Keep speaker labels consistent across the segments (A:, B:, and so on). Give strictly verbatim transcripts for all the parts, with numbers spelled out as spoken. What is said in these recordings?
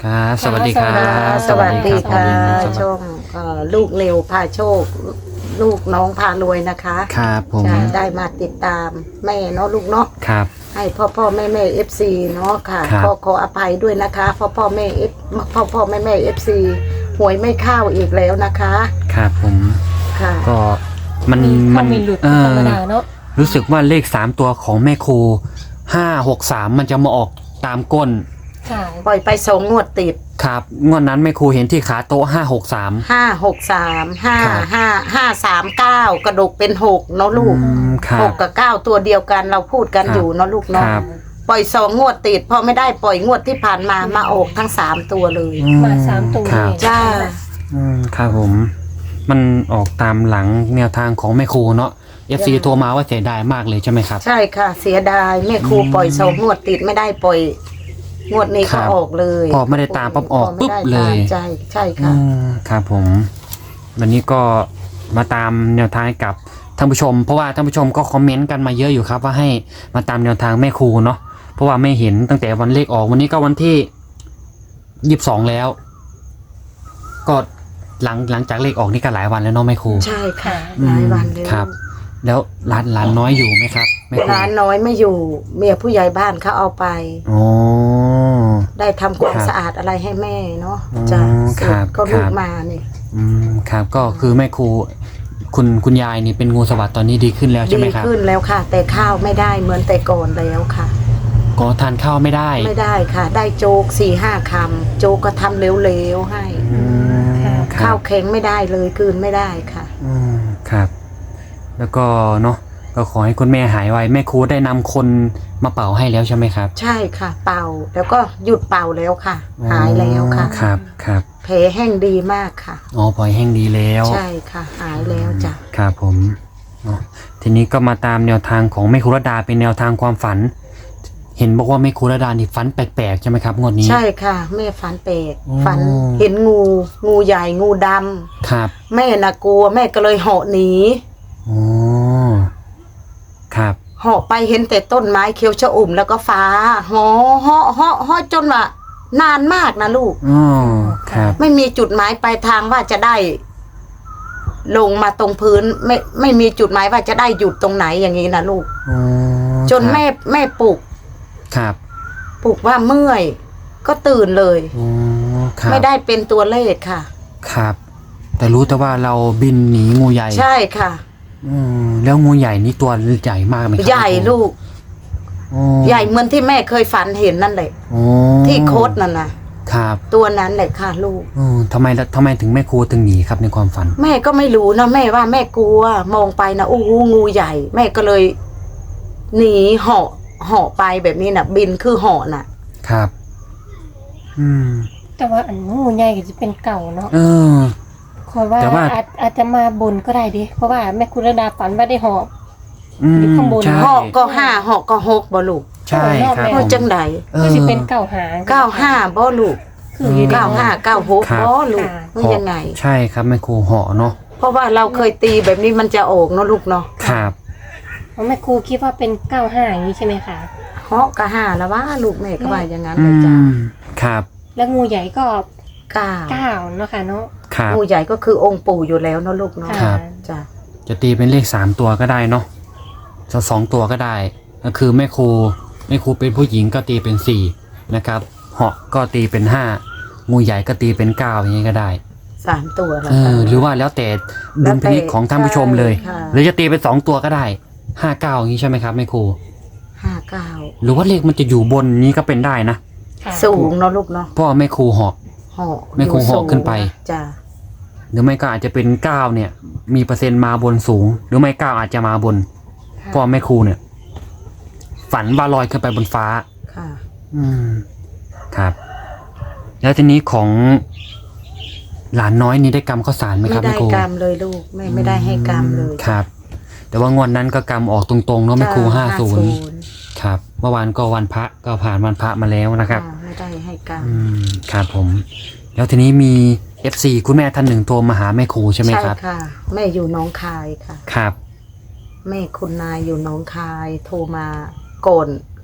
A: ครับสวัสดีครับ
B: สวัสดีค่ะ
A: สวัสดีครับ
B: ช่องเอ่อลูกเร็วพาโชค ลูกน้องพารวยนะคะ
A: ครับผม
B: จะได้มาติดตามแม่เนาะลูกเนาะ
A: ครับ
B: ให้พ่อพ่อแม่แม่เอฟซีเนาะค่ะ
A: ครับ
B: ขอขออภัยด้วยนะคะพ่อพ่อแม่เอฟพ่อพ่อแม่แม่เอฟซีหวยไม่เข้าอีกแล้วนะคะ
A: ครับผม
B: ค่ะ
A: ก็มัน
C: มี
A: มั
C: เข้าน มีหลุด
A: เอ
C: ธร
A: อ
C: รมดาเนาะ
A: รู้สึกว่าเลขสามตัวของแม่ครูห้าหกสามมันจะมาออกตามก้น
C: ค่ะ
B: ปล่อยไปสองงวดติด
A: ครับงวดนั้นแม่ครูเห็นที่ขาโต๊ะห้าหกสาม
B: ห้าหกสามห้า
A: ครับ
B: ห้าห้าสามเก้ากระดกเป็นหกเนาะลูก
A: ครั
B: ห
A: บ
B: กกับเก้าตัวเดียวกันเราพูดกัน
A: ครับ
B: อยู่เนาะลูกเนาะ
A: ครับ
B: ปล่อยสองงวดติดพอไม่ได้ปล่อยงวดที่ผ่านมามาออกทั้งสามตัวเลย
A: อื
C: มาสามตัว
A: ครับ
C: เลย
B: จ้า
A: อืมครับผม มันออกตามหลังแนวทางของแม่ครูเนาะ เอฟ ซี
B: จ้ะ
A: โทรมาว่าเสียดายมากเลยใช่ไหมครับ
B: ใช่ค่ะ เสียดายแม่ครู
A: อืม
B: ปล่อยสองงวดติดไม่ได้ปล่อย งวดนี้
A: ครั
B: ก็
A: บ
B: ออกเลย
A: พอไม่ได้ตามปั๊บออก
B: พไม่
A: ปุ๊บ
B: ได้
A: เลย
B: ตามใช่ใช่
A: อื
B: ค่ะ
A: มครับผม วันนี้ก็มาตามแนวทางกับท่านผู้ชม เพราะว่าท่านผู้ชมก็คอมเมนต์กันมาเยอะอยู่ครับ ว่าให้มาตามแนวทางแม่ครูเนาะเพราะว่าไม่เห็นตั้งแต่วันเลขออกวันนี้ก็วันที่ยี่สิบสองแล้ว ก็หลังหลังจากเลขออกนี่ก็หลายวันแล้วเนาะแม่ครู
B: ใช่ค่ะ
A: อื
B: ห
A: ม
B: ลายวันเลย
A: ครับ แล้วร้านร้านน้อยอยู่ไหมครับแม่ครู
B: ร้านน้อยไม่อยู่ เมียผู้ใหญ่บ้านเขาเอาไป
A: อ๋อ
B: ได้ทำความ
A: ครับ
B: สะอาดอะไรให้แม่เนาะ
A: อ๋อ
B: จ้ะ
A: ค
B: เสร็
A: รั
B: จ
A: บ
B: ก็ลู
A: ค
B: ก
A: รับ
B: มาเนี่ย
A: อืมครับก็คือแม่ครูคุณคุณยายนี่เป็นงูสวัสด์ตอนนี้ดีขึ้นแล้วใช่ไหม
B: ดี
A: ครับ
B: ขึ้นแล้วค่ะ แต่ข้าวไม่ได้เหมือนแต่ก่อนแล้วค่ะ
A: ก็ทานข้าวไม่ได้
B: ไม่ได้ค่ะ ได้โจ๊กสี่ห้าคำโจ๊กก็ทำเร็วๆให้
A: อืมครั
B: ข้า
A: บ
B: วแข็งไม่ได้เลยกลืนไม่ได้ค่ะ
A: อืมครับ แล้วก็เนาะก็ขอให้คุณแม่หายไวแม่ครูได้นำคนมาเป่าให้แล้วใช่ไหมครับ
B: ใช่ค่ะ เป่าแล้วก็หยุดเป่าแล้วค่ะ หายแล้วค่ะ
A: อ๋อครับครับ
B: แผลแห้งดีมากค่ะ
A: อ๋อปล่อยแห้งดีแล้ว
B: ใช่ค่ะ หายแล้วจ้ะ
A: ครับผมเนาะทีนี้ก็มาตามแนวทางของแม่ครูรดาเป็นแนวทางความฝัน เห็นบอกว่าแม่ครูรดานี่ฝันแปลกๆใช่ไหมครับงวดนี้
B: ใช่ค่ะแม่ฝันเปรก
A: อ๋อ
B: ฝันเห็นงู งูใหญ่งูดำ
A: ครับ
B: แม่น่ะกลัวแม่ก็เลยเหาะหนี
A: อ๋อครับ
B: เหาะไปเห็นแต่ต้นไม้เขียวชอุ่มแล้วก็ฟ้าเหาะเหาะเหาะเหาะจนว่านานมากนะลูก
A: อ๋อครับ
B: ไม่มีจุดหมายปลายทางว่าจะได้ ลงมาตรงพื้น ไม่ไม่มีจุดหมายว่าจะได้หยุดตรงไหนอย่างนี้นะลูก
A: อ๋อ
B: จน
A: ครับ
B: แม่แม่ปลุก
A: ครับ
B: ปลุกว่าเมื่อย ก็ตื่นเลย
A: อ๋อครับ
B: ไม่ได้เป็นตัวเลขค่ะ
A: ครับ แต่รู้แต่ว่าเราบินหนีงูใหญ่
B: ใช่ค่ะ
A: อืมแล้วงูใหญ่นี่ตัวใหญ่มากไหมครับ
B: ใหญ่ลูก
A: อ๋อ
B: ใหญ่เหมือนที่แม่เคยฝันเห็นนั่นแหละ
A: อ๋อ
B: ที่โคดนั่นนะครับ ตัวนั้นแหละค่ะลูก
A: อืมทำไมละทำไมถึงแม่ครูถึงหนีครับในความฝัน
B: แม่ก็ไม่รู้นะแม่ว่าแม่กลัว มองไปนะโอ้โหงูใหญ่ แม่ก็เลยหนีเหาะเหาะไปแบบนี้นะบินคือเหาะน่ะ
A: ครับ อืม
C: แต่ว่าอันงูใหญ่ก็จะเป็นเก่าเนาะ
A: เออ
C: คอยว่า
A: แต่ว่า
C: อาจอาจจะมาบนก็ได้ดิเพราะว่าแม่คุณระดาฝันว่าได้หอบ
A: อืม
C: อยู่ข้างบน
A: ใช่
B: เหาะก็ห้าเหาะก็หกบ่ลูก
A: ใช่ครับ
C: เออ
B: เพราะจังใด
A: เอ
C: ก็
A: อ
C: จะเป็นเก่าหาง
B: เก้าห้าบ่ลูก
C: คืออยู่ดี
B: เก้าห้าเก้าหก
A: ครับ
B: บ่ลูก
C: ค่ะ
B: ว่ายังไง
A: ใช่ครับแม่ครูเหาะเนาะ
B: เพราะว่าเราเคยตีแบบนี้มันจะออกเนาะลูกเนาะ
A: ครับ
C: เพราะแม่ครูคิดว่าเป็นเก้าห้าอย่างนี้ใช่ไหมคะ
B: เหาะก็ห้าแล้วว่าลูกแม่ก็ว่าอย่างนั้น
A: อื
B: เลยจ้ะ
A: มครับ
C: แล้วงูใหญ่ก็
B: เก้า
C: เก้าเนาะค่ะเนาะ
A: ครับ
B: งูใหญ่ก็คือองค์ปู่อยู่แล้วเนาะลูกเนาะ
A: ครับ
B: จ้ะ
A: จะตีเป็นเลขสามตัวก็ได้เนาะจะสองตัวก็ได้ ก็คือแม่ครูแม่ครูเป็นผู้หญิงก็ตีเป็นสี่นะครับ เหาะก็ตีเป็นห้างูใหญ่ก็ตีเป็นเก้าอย่างนี้ก็ได้
B: สามตัวแล้ว
A: เอ
B: ค่ะ
A: อหรือว่าแล้วแต่ดุลพินิจของท่านผู้ชมเลย
B: ใช่ค่ะ
A: หรือจะตีเป็นสองตัวก็ได้ห้าเก้าอย่างนี้ใช่ไหมครับแม่ครู
B: ห้าเก้า
A: หรือว่าเลขมันจะอยู่บนนี้ก็เป็นได้นะ
C: ค่ะ
B: สูงเนาะลูกเนาะ
A: เพราะว่าแม่ครูเหาะ
B: เหาะ
A: ไม่คงเหาะขึ้นไป
B: จ้ะ
A: หรือไม่ก็อาจจะเป็นเก้าเนี่ย มีเปอร์เซ็นต์มาบนสูง หรือไม่เก้าอาจจะมาบนเพราะว่าแม่ครูเนี่ย ฝันว่าลอยขึ้นไปบนฟ้า
B: ค่ะ
A: อืมครับ แล้วทีนี้ของหลานน้อยนี่ได้กำข้าวสารไหมค
B: ไม่
A: รับ
B: ได้
A: แม่ครู
B: กรรมเลยลูกแม่ไม่ได้ให้กรรมเลย
A: ครับ แต่ว่างวดนั้นก็กำออกตรงๆเนาะแม่ครูห้าศูนย์ครับเมื่อวานก็วันพระก็ผ่านวันพระมาแล้วนะครับ
B: อ่าไม่ได้ให้กรรม
A: อืมครับผม แล้วทีนี้มี เอฟ ซี คุณแม่ท่านหนึ่งโทรมาหาแม่ครูใช่ไหมครับ
B: ค่ะ แม่อยู่หน้องคายค่ะ
A: ครับ
B: แม่คุณนายอยู่หน้องคาย โทรมาก่อน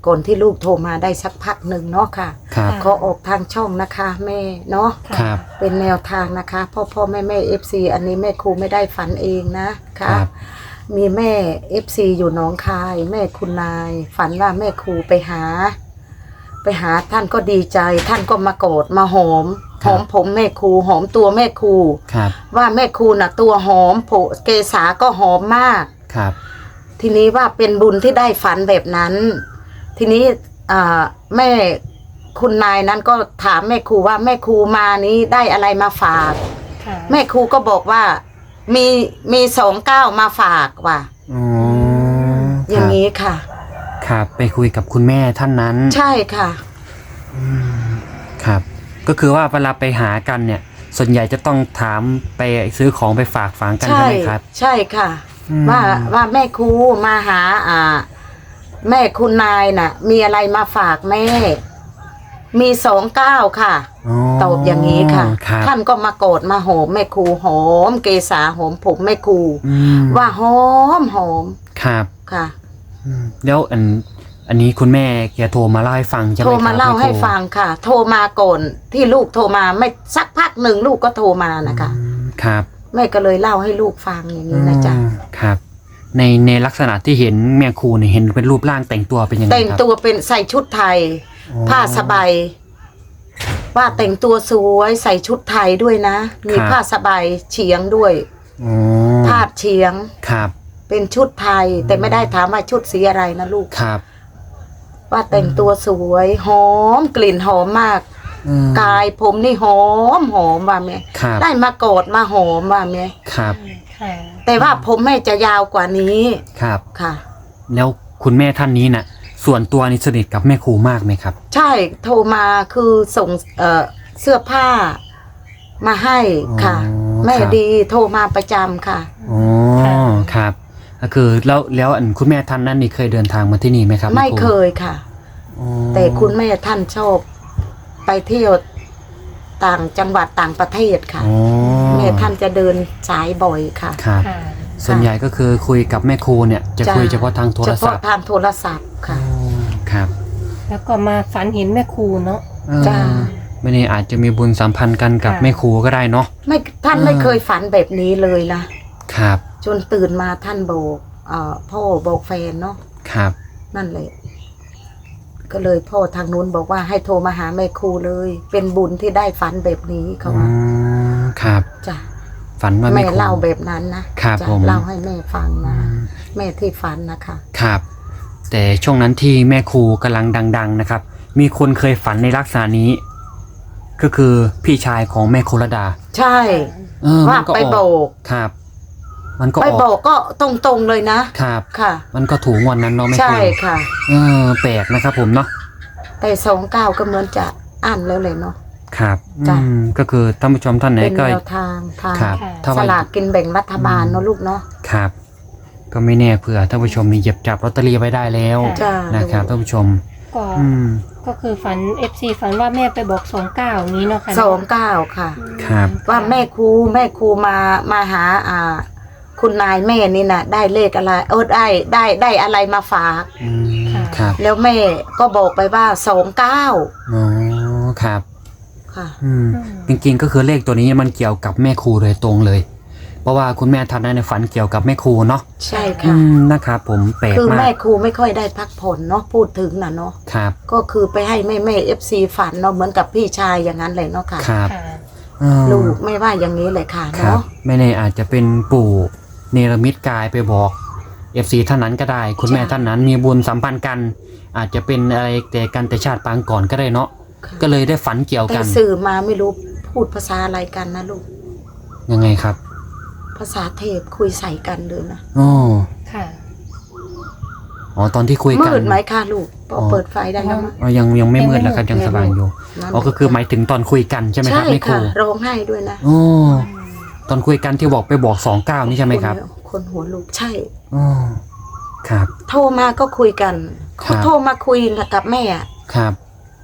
B: ก่อนที่ลูกโทรมาได้สักพักหนึ่งเนาะค่ะ
A: ครับ
B: ขอออกทางช่องนะคะแม่เนาะ
A: ครับ
B: เป็นแนวทางนะคะพ่อพ่อแม่แม่เอฟซีอันนี้แม่ครูไม่ได้ฝันเองนะ
A: ค
B: คะ
A: รับ
B: มีแม่เอฟซีอยู่หนองคาย แม่คุณนาย ฝันว่าแม่ครูไปหา ไปหาท่านก็ดีใจ ท่านก็มาโกรธมาหอมหอมผมแม่ครูหอมตัวแม่ครู
A: ครับ
B: ว่าแม่ครูน่ะตัวหอมโผเกษาก็หอมมาก
A: ครับ
B: ทีนี้ว่าเป็นบุญที่ได้ฝันแบบนั้น ทีนี้อ่าแม่คุณนายนั้นก็ถามแม่ครูว่าแม่ครูมานี้ได้อะไรมาฝาก
C: ค่ะ
B: แม่ครูก็บอกว่ามีมีสองเก้ามาฝากว่ะ
A: อ๋อ
B: อ
A: ค
B: ย่า
A: รั
B: ง
A: บ
B: นี้ค่ะ
A: ครับไปคุยกับคุณแม่ท่านนั้น
B: ใช่ค่ะ
A: อืมครับ ก็คือว่าเวลาไปหากันเนี่ย ส่วนใหญ่จะต้องถามไปซื้อของไปฝากฝังกัน
B: ใช่
A: ใช่ไหมครับ
B: ใช่ค่ะ
A: อืม
B: ว่าว่าแม่ครูมาหาอ่า แม่คุณนายน่ะ มีอะไรมาฝากแม่ มีสองเก้าค่ะ
A: อ๋อ
B: ตอบอย่างนี้ค่ะ
A: ครับ
B: ท่านก็มาโกรธมาหอมแม่ครูหอม เกษาหอมผมแม่ครู
A: อืม
B: ว่าหอมหอม
A: ครับ
B: ค่ะ
A: อืมแล้วอันอันนี้คุณแม่แกโทรมาเล่าให้ฟังใช่ไหม
B: โท
A: ค
B: ร
A: รับ
B: มาเล่าให้
A: แครู
B: ฟังค่ะ โทรมาก่อนที่ลูกโทรมาไม่สักพักหนึ่งลูกก็โทรมานะคะ
A: อืมครับ
B: แม่ก็เลยเล่าให้ลูกฟังอย่างนี้นะจ๊ะ
A: อืมครับ ในในลักษณะที่เห็นแม่ครูเนี่ยเห็นเป็นรูปร่างแต่งตัวเป็นยังไง
B: แต่ง
A: ครับ
B: ตัวเป็นใส่ชุดไทย
A: อ๋อ
B: ผ้าสบายว่าแต่งตัวสวยใส่ชุดไทยด้วยนะ มี
A: ครับ
B: ผ้าสบายเฉียงด้วย
A: อ๋อ
B: พาดเฉียง
A: ครับ
B: เป็นชุดไทย แต่ไม่ได้ถามว่าชุดสีอะไรนะลูก
A: ครับ
B: ว่าแต่งตัวสวยหอมกลิ่นหอมมาก
A: อืม
B: กายผมนี่หอมหอมว่าแม่
A: ครับ
B: ได้มากอดมาหอมว่าแม่
A: ครับ
C: ค่ะ
B: แต่ว่าผมแม่จะยาวกว่านี้
A: ครับ
B: ค่ะ
A: แล้วคุณแม่ท่านนี้น่ะ ส่วนตัวนี่สนิทกับแม่ครูมากไหมครับ
B: ใช่โทรมาคือส่งเอ่อเสื้อผ้ามาให้ค่ะ
A: อ๋อ
B: แม่
A: ครับ
B: ดีโทรมาประจำค่ะ
A: อ๋อครับก็คือแล้วแล้วอันคุณแม่ท่านนั้นนี่เคยเดินทางมาที่นี่ไหมครับ
B: ไม่
A: แรู
B: เคยค่ะ
A: อ๋อ
B: แต่คุณแม่ท่านชอบไปเที่ยวต่างจังหวัดต่างประเทศค่ะ
A: อ๋อ
B: แม่ท่านจะเดินสายบ่อยค่ะ
A: ครับ
C: ค่ะ
A: ส่วนใหญ่ก็คือคุยกับแม่ครูเนี่ยจะ
B: จ้ะ
A: คุยเฉพาะทางโทร
B: เฉ
A: ศั
B: พาะ
A: พท์
B: ทางโทรศัพท์ค่ะ
A: อ๋อครับ
C: แล้วก็มาฝันเห็นแม่ครูเนาะ
A: เออ
B: จ้ะ
A: ไม่แน่อาจจะมีบุญสัมพันธ์กันกับ
C: ค่ะ
A: แม่ครูก็ได้เนาะ
B: ไม่ท่าน
A: อ่า
B: ไม่เคยฝันแบบนี้เลยนะครับ จนตื่นมาท่านบอกเอ่อพ่อบอกแฟนเนาะ
A: ครับ
B: นั่นเลย ก็เลยพ่อทางนู้นบอกว่าให้โทรมาหาแม่ครูเลย เป็นบุญที่ได้ฝันแบบนี้เขา
A: อ๋อ
B: ว่า
A: ครับ
B: จ้ะ
A: ฝันว่า
B: แม่
A: แม่ครู
B: เล่าแบบนั้นนะครับ จ้ะ
A: ผม
B: เล่าให้แม่ฟัง
A: อื
B: นะ
A: ม
B: แม่ที่ฝันนะคะ
A: ครับ แต่ช่วงนั้นที่แม่ครูกำลังดัง ๆ นะครับ มีคนเคยฝันในลักษณะนี้ ก็คือพี่ชายของแม่ครูระดา
B: ใช่
A: เออ
B: ว่า
A: มันก็
B: ไป
A: อ
B: โบ
A: อก
B: ก
A: ครับ มันก็
B: ไป
A: อ
B: โบอก
A: อก
B: ก็ตรงๆเลยนะครับ ค่ะ
A: มันก็ถูกงวันนั้นเนาะแม่ค
B: ใช่
A: รู
B: ค่ะ
A: เออแปลกนะครับผมเนาะ
B: แต่สองเก้าก็เหมือนจะอ่านแล้วเลยเนาะ
A: ครับ
B: จ้ะ
A: อืมก็คือท่านผู้ชมท่านไหน
B: เป็น
A: ก็
B: แนวทางทาง
A: ครับ
C: ค่ะ
A: ถ้า
B: ส
A: ว่า
B: ลากกินแบ่งรัฐบาลเนาะลูกเนาะ
A: ครับ ก็ไม่แน่เผื่อท่านผู้ชมมีเหยียบจับลอตเตอรี่ไว้ได้แล้ว
B: จ้า
A: นะครับท่านผู้ชม
C: ก็
A: อืม
C: ก็คือฝันเอฟซีฝันว่าแม่ไปบอกสองเก้าอย่างนี้เนาะค่ะ
B: สองเก้าค่ะ
A: ครับ
B: ว่าแม่ครูแม่ครูมามาหาอ่า คุณนายแม่นี่นะได้เลขอะไรเออได้ได้ได้อะไรมาฝาก
A: อืมครับ
B: แล้วแม่ก็บอกไปว่าสองเก้า
A: อ๋อครับ
B: ค่ะ
A: อืม
C: อืม
A: จริงๆก็คือเลขตัวนี้มันเกี่ยวกับแม่ครูโดยตรงเลย เพราะว่าคุณแม่ท่านนั้นในยฝันเกี่ยวกับแม่ครูเนาะ
B: ใช่
A: อื
B: ค่ะ
A: มนะครับผมแปลก
B: คือ
A: มา
B: แม่
A: ก
B: ครูไม่ค่อยได้พักผ่อนเนาะพูดถึงนะเนาะ
A: ครับ
B: ก็คือไปให้แม่แม่เอฟซีฝันเนาะเหมือนกับพี่ชายอย่างนั้นเลยเนาะค่ะ
A: ครับ
C: ค่ะ
A: เออ
B: ลูกไม่ว่าอย่างนี้เลยค่ะ
A: ครับ
B: เนาะ
A: ไม่แน่อาจจะเป็นปู่เนรมิตกายไปบอกเอฟซีท่านนั้นก็ได้ คุณแม่ท่านนั้นมีบุญสัมพันธ์กัน อาจจะเป็นอะไรแต่กันแต่ชาติปางก่อนก็ได้เนาะ
B: ค่ะ
A: ก็เลยได้ฝันเกี่ยว
B: แต่
A: กัน
B: สื่อมาไม่รู้พูดภาษาอะไรกันนะลูก
A: ยังไงครับ
B: ภาษาเทพคุยใส่กันเลยนะ
A: อ๋อ
C: ค่ะ
A: อ๋อตอนที่คุยกัน
B: มืดไหมคะลูกพอ
A: อ๋อ
B: เปิดไฟได้แล้วมั้ง
A: อ๋อยังยังไม่มืดแล้วครับยังสว่างอยู่
B: นั่น
A: อ๋อก็คือหมายถึงตอนคุยกันใช่ไหมครับ
B: ใช่
A: แม่ครู
B: ค่ะร้องไห้ด้วยนะ
A: อ๋อตอนคุยกันที่บอกไปบอกสองเก้านี่ใช่ไหมครับ
B: นคนหัวลูกใช่
A: อ๋อครับ
B: โทรมาก็คุยกัน
A: ครั
B: เขา
A: บ
B: โทรมาคุยกับแม่อะ
A: ครับ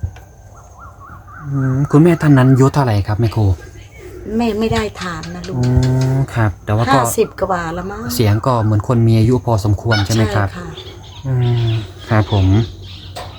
A: อืมคุณแม่ท่านนั้นอายุเท่าไหร่ครับแม่ครู
B: แม่ไม่ได้ถามนะลู
A: อ๋
B: ก
A: อครับ แต่ว่าก็
B: ห้าสิบกว่าแล้วมั้ง
A: เสียงก็เหมือนคนมีอายุพอสมควรใช่ไหมครับ
B: ค่ะ
A: อืมครับผม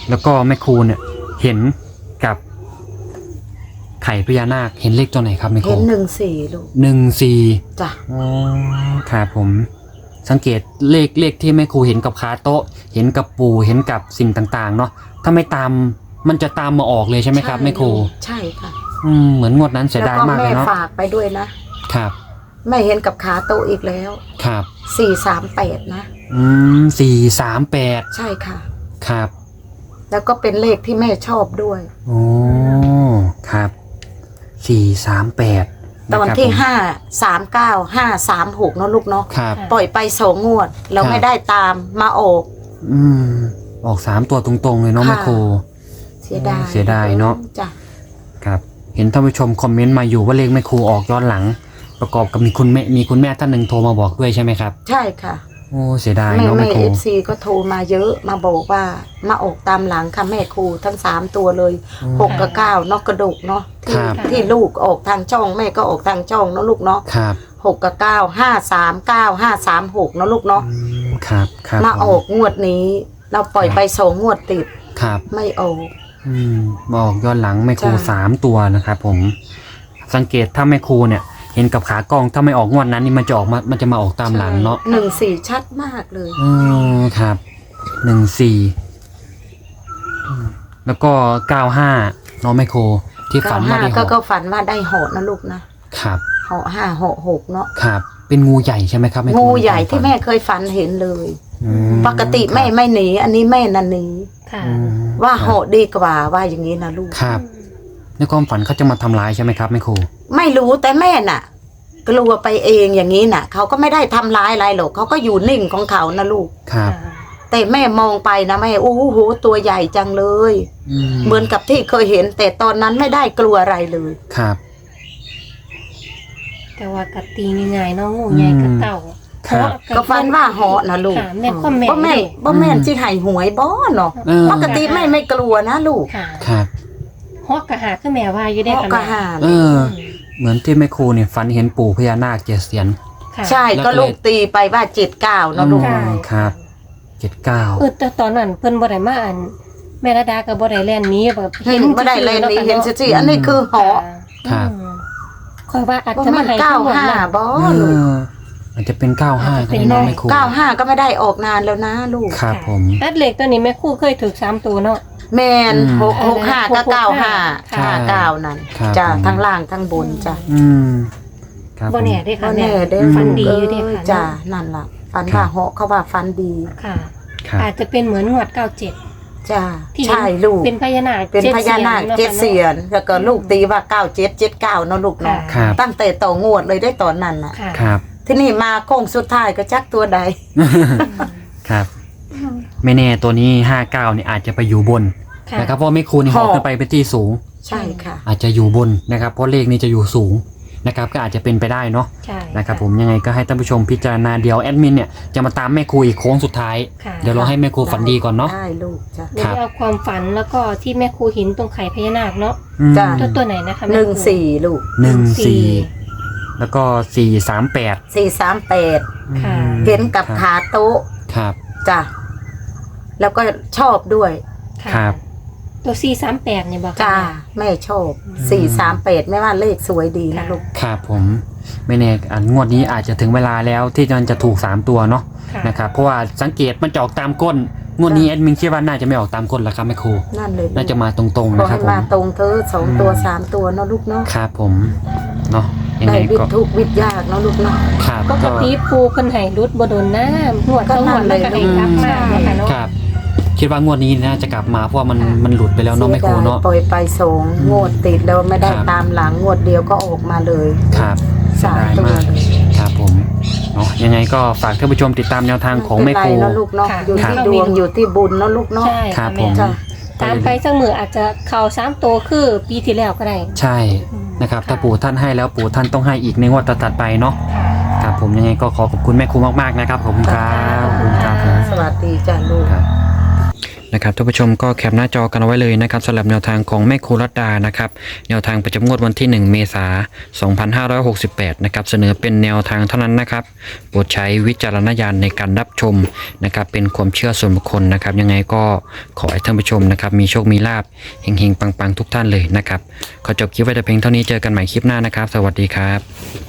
A: แล้วก็แม่ครูเนี่ยเห็นกับไข่พญานาคเห็นเลขตัวไหนครับแม่ครู
B: เห็นหนึ่งสี่ลูก
A: หนึ่งสี่
B: จ้ะ
A: อ๋อครับผมสังเกตเลขเลขที่แม่ครูเห็นกับขาโต๊ะ เห็นกับปู่เห็นกับสิ่งต่างๆเนาะถ้าไม่ตามมันจะตามมาออกเลยใช่ไหมครับแม่ครู
B: ใช่ค่ะ
A: อืมเหมือนงวดนั้นเสียดายมากเลย
B: แล้วก็
A: เนาะ
B: แม่ฝากไปด้วยนะครับ แม่เห็นกับขาโตะอีกแล้ว
A: ครับ
B: สี่สามแปดนะ
A: อืมสี่สามแปด
B: ใช่ค่ะ
A: ครับ
B: แล้วก็เป็นเลขที่แม่ชอบด้วย
A: โอ้ครับสี่สามแปด
B: ตอนที่ห้าสามเก้าห้าสามหกเนาะลูกเนาะ
A: ครับ
B: ปล่อยไปสองงวด เรา
A: ครับ
B: ไม่ได้ตามมาออก
A: อืมออกสามตัวตรงๆเลยเนาะ
B: ค่ะ
A: แม่ครู
B: เสียดาย
A: เสียดายเนาะ
B: จ้ะ
A: ครับเห็นท่านผู้ชมคอมเมนต์มาอยู่ว่าเลขแม่ครูออกย้อนหลัง ประกอบกับมีคุณแม่มีคุณแม่ท่านหนึ่งโทรมาบอกด้วยใช่ไหมครับ
B: ใช่ค่ะ
A: โอ้เสียดาย
B: แม่
A: เนาะ
B: แม่
A: แม่ครู
B: เอฟซีก็โทรมาเยอะมาบอกว่ามาออกตามหลังค่ะแม่ครูทั้งสามตัวเลยหกกับเก้าเนอกกระดูกเนาะที่
A: ครับ
B: ที่ลูกออกทางช่องแม่ก็ออกทางช่องเนาะลูกเนาะ
A: ครับ
B: หกกับเก้าห้าสามเก้าห้าสามหกเนาะลูกเนาะ
A: อืมครับครับ
B: มา
A: ผ
B: ออกงวดนี้ เราปล่อยไปสองงวดติด
A: ครับ
B: ไม่ออก
A: อืมบอกย้อนหลังแม่ครู
B: จ้ะ
A: สามตัวนะครับผม สังเกตถ้าแม่ครูเนี่ย เห็นกับขากล้องถ้าไม่ออกงวดนั้นนี่มันจะออกมามันจะมาออกตามหลังเนาะ
B: หนึ่งสี่ชัดมากเลย
A: อืมครับหนึ่งสี่แล้วก็เก้าห้าเนาะแม่ครูที่ฝั
B: เก้าน
A: ว่า
B: ห้า
A: ได้เห
B: ก็
A: าะ
B: ก็ฝันว่าได้เหาะนะลูกนะครับ เหาะห้าเหาะหกเนาะ
A: ครับ เป็นงูใหญ่ใช่ไหมครับแม่ครู
B: งูใหญ่ที่
A: น
B: แม่เคยฝันเห็นเลย
A: อืม
B: ปกติแม่ไม่หนี อันนี้แม่นันหนี
C: ค่ะ
A: อืม
B: ว่า
A: ครับ
B: เหาะดีกว่าว่าอย่างนี้นะลูก
A: ครับในความฝันเขาจะมาทำร้ายใช่ไหมครับแม่ครู
B: ไม่รู้แต่แม่น่ะ กลัวไปเองอย่างนี้น่ะเขาก็ไม่ได้ทำร้ายอะไรหรอกเขาก็อยู่นิ่งของเขานะลูก
A: ครับ
B: แต่แม่มองไปนะแม่โอ้โหตัวใหญ่จังเลย
A: อืม
B: เหมือนกับที่เคยเห็น แต่ตอนนั้นไม่ได้กลัวอะไรเลย
A: ครับ
C: แต่ว่ากะตีง่ายๆเนาะงูใหญ่กับเต่า
A: ครับ
C: เพราะ
B: ก็ฟันว่าเหาะนะลูก
C: ค่ะแม่นความแม่น
B: บ่แม่น
C: เด้
B: บ่แม่นที่ไห้หวยบ่เนาะ
A: เออ
B: ปกติแม่ไม่กลัวนะลูก
C: ค่ะ
A: ครับ
C: ฮอกกะหาคือแม่ว่าอยู่ได้
B: เหาะ
C: ค่ะ
B: กระ
C: แม่
B: หาน
A: เออ เหมือนที่แม่ครูเนี่ยฝันเห็นปู่พญานาคเจ็ดเสียน
C: ค่ะ
B: ใช่
A: แล้ว
B: ก็
A: ก็เลย
B: ลูกตีไปว่าเจ็ดเก้าเนาะลูก
C: ใช่
A: อืมครับเจ็ดเก้า
C: เออแต่ตอนนั้นเพิ่นบ่ได้มาอันแม่ระดาก็บ่ได้แล่นหนี้แบบ
B: เห็นไม่ได้เลยนี่เห็น
C: ซื่อ
B: สิอันนี้คือเหาะ
C: ๆค่ะอืมคอยว่าอาจ
B: บ่
C: จะ
B: แม่
C: มาน ให้
B: เก้า
C: ทั้งหมด
B: ห้า
C: นะ
B: บ่
A: เอ
B: ลูก
A: อมันจะเป็นเก้าห้า
C: อาจจะ
A: ก็
C: เป็น
A: ได้
C: น้
A: เนาะ
C: อย
A: แม่ครู
B: เก้าห้าก็ไม่ได้ออกนานแล้วนะลูก
A: ครับผม
C: อัดเหล็กตัวนี้แม่ครู่เคยถูกสามตัวเนาะ
B: แมน
A: อืม
B: หกหกห้าก็
C: หกหก
B: เก้าห้า
C: ค่ะ
B: ห้าเก้านั่น
A: ครับ
B: จ้ะ
A: ผม
B: ทั้งล่างทั้งบนจ้ะ
A: อืมครับ
C: บ่
A: ผม
C: แน่เด้
B: ก็
C: ค่ะแม่
B: แน่เด้
C: ฟันดีอยู่เด้ค่ะ
B: จ้ะ
C: เนาะ
B: นั่นล่ะฟันว่าเหาะเขาว่าฟันดี
C: ค่ะ
A: ครับ
C: อาจจะเป็นเหมือนงวดเก้าเจ็ด
B: จ้ะ
C: ที่
B: ใช่ลูก
C: เป็นพญานาค
B: เป็นพญานาคเจ็ดเสียนแล้วก็ลูกตีว่าเก้าเจ็ดเจ็ดเก้าเนาะลูก
C: ค่ะ
B: เนาะ
A: ครับ
B: ตั้งแต่ต่องวดเลยได้ตอนนั้นน่ะ
C: ค่ะ
A: ครับ
B: ที่นี่มาโค้งสุดท้ายก็จักตัวใด
A: ครับ ไม่แน่ตัวนี้ห้าเก้าเนี่ยอาจจะไปอยู่บน
C: ค่ะ
A: นะครับเพราะแม่ครูนี่ห
B: ห
A: อ
B: อก
A: ขึ้นไปเป็นที่สูง
B: ใช่ค่ะ
A: อาจจะอยู่บนนะครับ เพราะเลขนี้จะอยู่สูงนะครับ ก็อาจจะเป็นไปได้เนาะ
C: ใช่
A: นะครับผมยังไงก็ให้ท่านผู้ชมพิจารณาเดียวแอดมินเนี่ยจะมาตามแม่ครูอีกโค้งสุดท้าย
C: ค่ะ
A: เดี๋ยวเราให้แม่ครูฝันดีก่อนเนาะ
B: ได้ลูกจ้ะ
C: เดี๋ยวเอาความฝันแล้วก็ที่แม่ครูหินตรงไข่พญานาคเนาะ
A: อืม
B: จ้ะ
C: ตัวตัวไหนนะคะแม่
B: ห
C: ครู
B: นึ่งสี่ลูก
A: หนึ่งสี่แล้วก็สี่สามแปด
B: สี่สามแปด
C: ค่ะ
B: เห็นกับขาโต๊ะ
A: ครับ
B: จ้ะแล้วก็ชอบด้วย
C: ค่ะ
A: ครับ
C: ตัวสี่สามแปดเนี่ยบอก
B: จ้า
C: ค่ะ
B: แม่ชอบสี่สามแปดไม่ว่าเลขสวยดีนะลูก
A: ครับผมไม่แน่อันงวดนี้อาจจะถึงเวลาแล้วที่มันจะถูกสามตัวเนาะ
C: ค่ะ
A: นะครับเพราะว่าสังเกตมันจะออกตามก้นงวดนี้แอดมินคิดว่าน่าจะไม่ออกตามก้นแล้วครับแม่ครู
B: นั่นเลย
A: น่าจะมาตรงๆ
B: ขอ
A: นะครั
B: ให้
A: บผม
B: มาตรงเธอสองตัวสามตัวเนาะลูกเนาะ
A: ครับผมเนาะยัง
B: ได้
A: ไง
B: วิท
A: ก็
B: ย์ทุกข์วิทย์ยากเนาะลูกเนาะ
A: ครับ
C: ปก
A: ก็
C: ติปูเพิ่นให้รุดบ่โดนน้ำหวดต้องหวดแล้วก็ให้กลับมาเนาะค่ะเนาะ
A: ครับคิดว่างวดนี้น่าจะกลับมาเพราะว่ามันมันหลุดไปแล้วเนาะแม่ครูเนาะ
B: ปล่อยไปสองงวดติดแล้วไม่ได้
A: ครับ
B: ตามหลังงวดเดียวก็ออกมาเลย
A: ครับ
B: สาม
A: เสียดาย
B: ตัว
A: มาก
B: เลย
A: ครับผมเนาะยังไงก็ฝากท่านผู้ชมติดตามแนวทางของแม่ครู
B: ไเป็นไรเนาะลูกเนาะ
C: ค่ะ
B: อยู่
A: ครับ
B: ที่ดวงอยู่ที่บุญเนาะลูกเนาะ
C: ใช่
A: ครั
C: ค่ะ
A: บผ
C: แม่
A: ม
B: จ้ะ
C: ตามไปสักมืออาจจะเข่าสามตัวคือปีที่แล้วก็ได้
A: ใช่นะครับถ้าปู่ท่านให้แล้วปู่ท่านต้องให้อีกในงวดถัดๆไปเนาะครับผมยังไงก็ขอขอบคุณแม่ครูมากๆนะครับขอบคุณครับขอบคุณครับผม
B: สวัสดีจ้ะลูก
A: ครับนะครับท่านผู้ชมก็แคปหน้าจอกันเอาไว้เลยนะครับสำหรับแนวทางของแม่ครูรัตดานะครับแนวทางประจำงวดวันที่หนึ่งเมษายนสองพันห้าร้อยหกสิบแปดนะครับเสนอเป็นแนวทางเท่านั้นนะครับโปรดใช้วิจารณญาณในการรับชมนะครับเป็นความเชื่อส่วนบุคคลนะครับยังไงก็ขอให้ท่านผู้ชมนะครับมีโชคมีลาภเฮงๆปังๆทุกท่านเลยนะครับขอจบคลิปไว้แต่เพียงเท่านี้เจอกันใหม่คลิปหน้านะครับสวัสดีครับ